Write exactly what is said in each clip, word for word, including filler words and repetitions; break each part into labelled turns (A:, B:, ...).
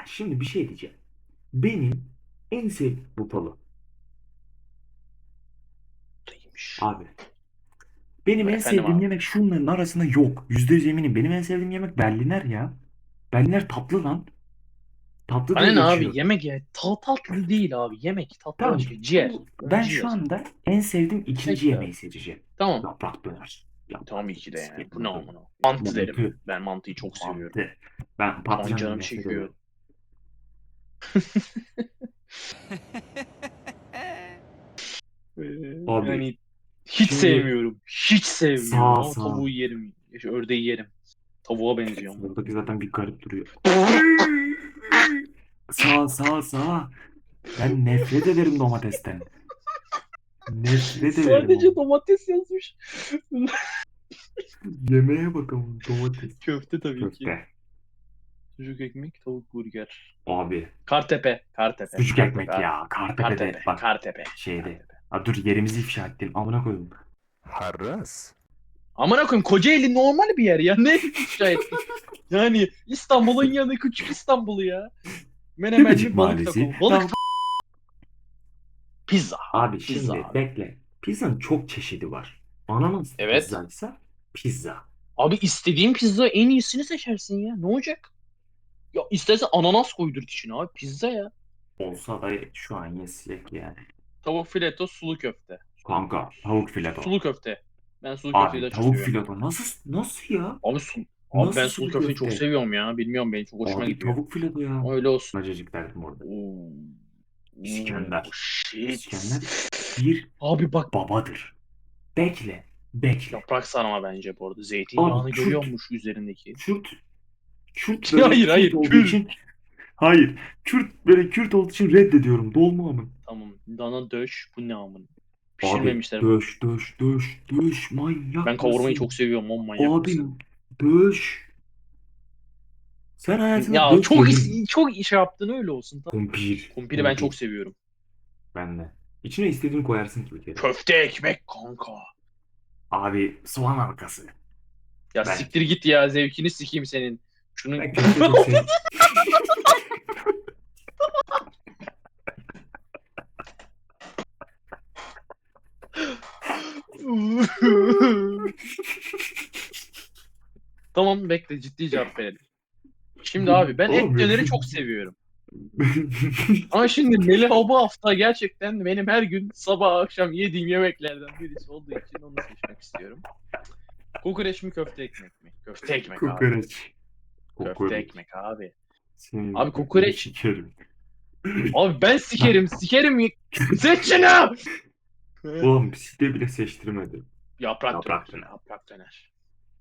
A: Ya şimdi bir şey diyeceğim. Benim en sevdiğim Buffalo.
B: Buradaymış.
A: Abi. Benim en
B: Efendim
A: sevdiğim
B: abi.
A: yemek şunların arasında yok. Yüzde yüz eminim. Benim en sevdiğim yemek Berliner ya. Berliner tatlı lan. Tatlı
B: Bana
A: diye
B: ne abi,
A: geçiyor.
B: yemek ya. Ta tatlı değil abi. Yemek tatlı
A: Tamam.
B: başka. Ciğer.
A: Bu,
B: Ben
A: ben şu
B: ciğer.
A: anda en sevdiğim ikinci
B: Peki abi.
A: yemeği seçeceğim.
B: Tamam.
A: Yaprak döner. Yaprak
B: Tabii ki de yani.
A: sikerim
B: Bu ne
A: yaprak.
B: amına. Mantı derim.
A: Mantı.
B: Ben mantıyı çok seviyorum.
A: Mantı. Ben
B: Şu an
A: patlıcandan
B: canım
A: nefret
B: çekiyor.
A: ederim.
B: Ee,
A: Abi.
B: yani hiç
A: Şimdi
B: sevmiyorum. Hiç sevmiyorum
A: sağ
B: ama
A: sağ.
B: tavuğu yerim. Şu ördeği yerim. Tavuğa benziyor amına
A: Buradaki
B: koyayım.
A: zaten bir garip duruyor. Sağ sağ sağ. Ben nefret ederim domatesten. Nefret ederim
B: Sadece
A: ama.
B: domates yazmış.
A: Yemeğe bakalım domates.
B: Köfte tabii ki.
A: Köfte.
B: Sucuk ekmek, tavuk burger.
A: Abi.
B: Kartepe, Kartepe,
A: Sucuk
B: Kartepe
A: ekmek
B: abi.
A: ya. Kartepe'de
B: Kartepe,
A: bak
B: Kartepe,
A: şeyde.
B: Kartepe.
A: Ha, dur yerimizi ifşa ettim. Amına koydum.
C: Harras.
B: Amına koyayım, Kocaeli normal bir yer ya. Ne ifşa ettik? Yani İstanbul'un yanı, küçük İstanbul'u ya.
A: Tepecik
B: Menemenli balık
A: Mahallesi.
B: taco. Balık
A: Tamam.
B: ta- pizza.
A: Abi
B: Pizza
A: şimdi
B: abi.
A: bekle. Pizzanın çok çeşidi var. Ananas
B: Evet.
A: pizzaysa pizza.
B: Abi istediğin pizza en iyisini seçersin ya. Ne olacak? Ya istersen ananas koydur içine abi. Pizza ya.
A: Olsa da şu an yesek yani.
B: Tavuk fileto, sulu köfte. Sulu,
A: Kanka tavuk fileto.
B: sulu köfte. Ben sulu köfteyi
A: Abi
B: daha çok
A: tavuk
B: seviyorum.
A: fileto nasıl nasıl ya?
B: Abi su Abi
A: Nasıl
B: ben sulu
A: sulu
B: köfteyi çok
A: köfte?
B: seviyorum ya. Bilmiyorum, benim çok hoşuma
A: Abi
B: gidiyor.
A: tavuk fileto ya.
B: Öyle olsun.
A: Acıcık derdim orada.
B: Oo. Oo,
A: İskender.
B: shit.
A: İskender bir
B: Abi bak,
A: babadır. Bekle. Bekle.
B: yaprak sarma bence bu arada.
A: Abi
B: Zeytinyağını görüyor
A: Kürt.
B: musun üzerindeki?
A: Kürt. Kürt böyle
B: Hayır
A: Kürt
B: hayır,
A: olduğu
B: kür.
A: için hayır. Kürt böyle Kürt olduğu için reddediyorum. Dolma mı?
B: Tamam. Dana döş. Bu ne amın?
A: Abi
B: Pişirmemişler bunu.
A: döş döş döş döş
B: Ben
A: manyak
B: kavurmayı çok
A: mısın?
B: seviyorum. On manyak
A: Abi
B: mısın?
A: döş. Sen hayatında
B: Ya
A: döş
B: çok
A: yedin mi?
B: is- çok iş yaptın, öyle olsun. Tamam.
A: Kumpir.
B: Kumpiri ben çok
A: Kumpir.
B: seviyorum.
A: Ben de. İçine istediğini koyarsın ki bir kere.
B: Köfte ekmek kanka.
A: Abi soğan halkası.
B: Ya
A: Ben.
B: siktir git ya, zevkini sikeyim senin. Şunun
A: Ben köfte çok sev.
B: Tamam, bekle, ciddi cevap verelim. Şimdi abi ben et
A: Oğlum ya.
B: döneri çok seviyorum. Ama şimdi Melih bu hafta gerçekten benim her gün sabah akşam yediğim yemeklerden birisi olduğu için onu seçmek istiyorum. Kokoreç mi, köfte ekmek mi? Köfte ekmek abi.
A: Kokoreç.
B: Köfte
A: Kokoreç.
B: ekmek abi.
A: Senin
B: Abi
A: götünü
B: kokoreç.
A: sikerim.
B: Abi ben sikerim sikerim. Seç şunu.
A: Oğlum site bile seçtirmedi.
B: Yaprak döner.
A: Yaprak döner.
B: Yaprak döner.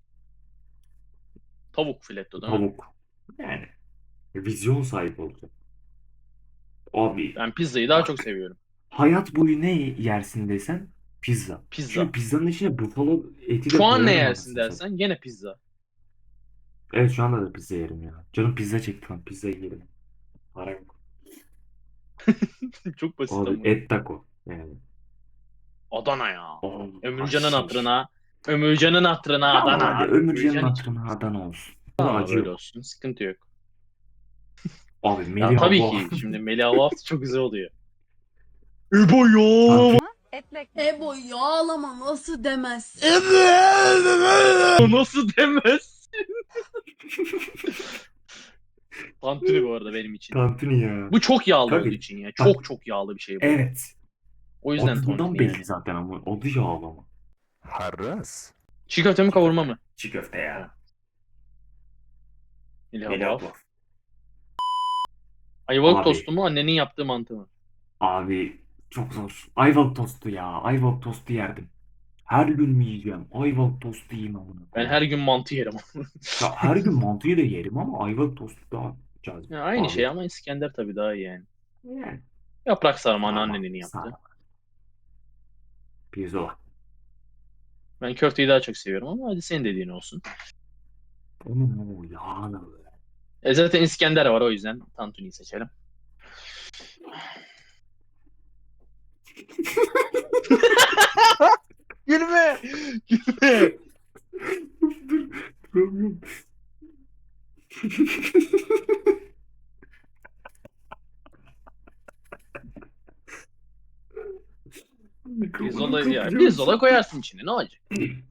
B: Tavuk fileto değil mi?
A: Tavuk. Yani vizyon sahibi olacak. Abi
B: Ben pizzayı daha çok
A: bak.
B: seviyorum.
A: Hayat boyu ne yersin desen pizza. Çünkü
B: Pizza.
A: pizzanın içine buffalo eti de
B: Şu an ne
A: koyarım
B: yersin
A: anasını satayım.
B: dersen gene pizza.
A: Evet şu anda da pizza yerim ya. Canım pizza çekti lan pizza yerim. Para yok.
B: Çok basit
A: Abi
B: ama.
A: et taco. Yani.
B: Adana ya.
A: Oh,
B: Ömürcan'ın
A: haşiş.
B: hatırına. Ömürcan'ın hatırına
A: Tamam
B: Adana
A: hadi
B: abi.
A: Ömürcan'ın
B: Ömürcan için.
A: hatırına Adana olsun. Buna
B: Tamam abi,
A: acı
B: öyle
A: yok.
B: olsun. Sıkıntı yok.
A: Abi
B: Ya
A: Melih
B: tabii
A: abla.
B: ki şimdi Melih Avaft çok güzel oluyor. İbo
A: Tantuni.
B: ya.
D: Etle
E: Ebo yağlama nasıl demezsin?
B: Nasıl demez? Tantuni bu arada benim için.
A: Tantuni ya.
B: Bu çok yağlı
A: Kanka
B: olduğu için ya.
A: bak
B: Çok çok yağlı bir şey bu.
A: evet.
B: O yüzden
A: Adından
B: tantuni
A: belli
B: yani.
A: zaten ama adı yağlama.
C: Harras.
B: Çiğ köfte mi,
A: Çiğ
B: kavurma
A: köfte.
B: mı?
A: Çiğ köfte ya.
B: Melih
A: Melih
B: Avaft.
A: abla.
B: Ayvalık
A: Abi.
B: tostu mu, annenin yaptığı mantı mı?
A: Abi çok zor. Ayvalık tostu ya. Ayvalık tostu yerdim. Her gün mü yiyeceğim? Ayvalık tostu yiyeyim amına
B: Ben
A: koyayım.
B: her gün mantı yerim.
A: Ya her gün mantıyı da yerim ama ayvalık tostu daha cazip.
B: Ya aynı şey
A: Abi.
B: ama İskender tabii daha iyi yani.
A: Yani.
B: Yaprak sarma
A: Sarma.
B: anneannenin yaptı.
A: Sarma. Pirzola.
B: Ben köfteyi daha çok seviyorum ama hadi senin dediğin olsun.
A: Onun o yağlı.
B: E zaten İskender var, o yüzden tantuniyi seçelim. Gülme! Gülme!
A: Dur. Duramıyorum.
B: Pirzola ya. Pirzola koyarsın içine, ne olacak?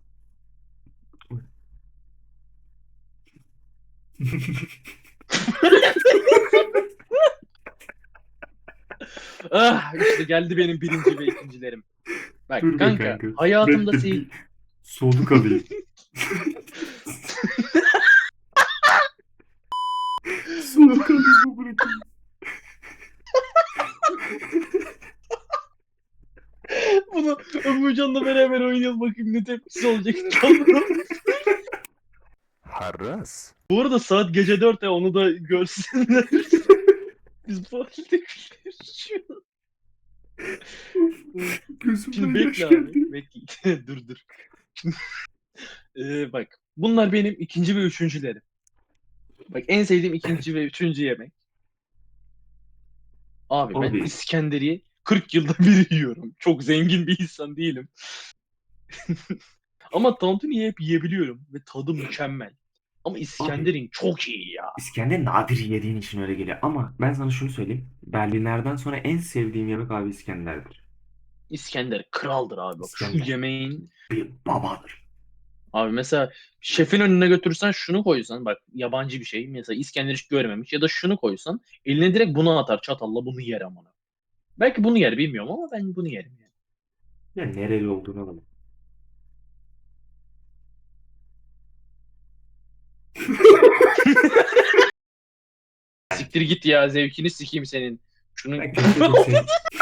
B: Ah, işte geldi benim birinci ve ikincilerim. Bak
A: Dur be
B: kanka,
A: kanka.
B: hayatımda
A: Bekle,
B: sev...
A: bir soluk alayım. Soluk alayım bırakayım.
B: Bunu Ömürcan'la beraber oynayalım, bakayım ne tepkisi olacak.
C: Harras.
B: Bu arada saat gece dört ya, onu da görsünler. Biz bu halde gülüyoruz şu an. Şimdi
A: Gözümden yaş
B: bekle
A: geldi.
B: abi. Bekle. Dur dur. Ee, bak. Bunlar benim ikinci ve üçüncülerim. Bak, en sevdiğim ikinci ve üçüncü yemek. Abi ben
A: Abi.
B: İskenderiye kırk yılda bir yiyorum. Çok zengin bir insan değilim. Ama tantuniyi hep yiyebiliyorum. Ve tadı mükemmel. Ama İskender'in çok iyi ya.
A: İskender nadir yediğin için öyle geliyor. Ama ben sana şunu söyleyeyim. Berliner'den sonra en sevdiğim yemek abi İskender'dir.
B: İskender kraldır abi. Bak şu
A: İskender
B: yemeğin.
A: bir babadır.
B: Abi mesela şefin önüne götürürsen, şunu koysan, bak yabancı bir şey. Mesela İskender hiç görmemiş, ya da şunu koysan eline direkt bunu atar çatalla, bunu yer ama. Belki bunu yer, bilmiyorum, ama ben bunu yerim yani.
A: Ya nereli olduğunu alalım.
B: Siktir git ya, zevkini sikeyim senin. Şunu
A: Ben köfte çok sevmiyorum.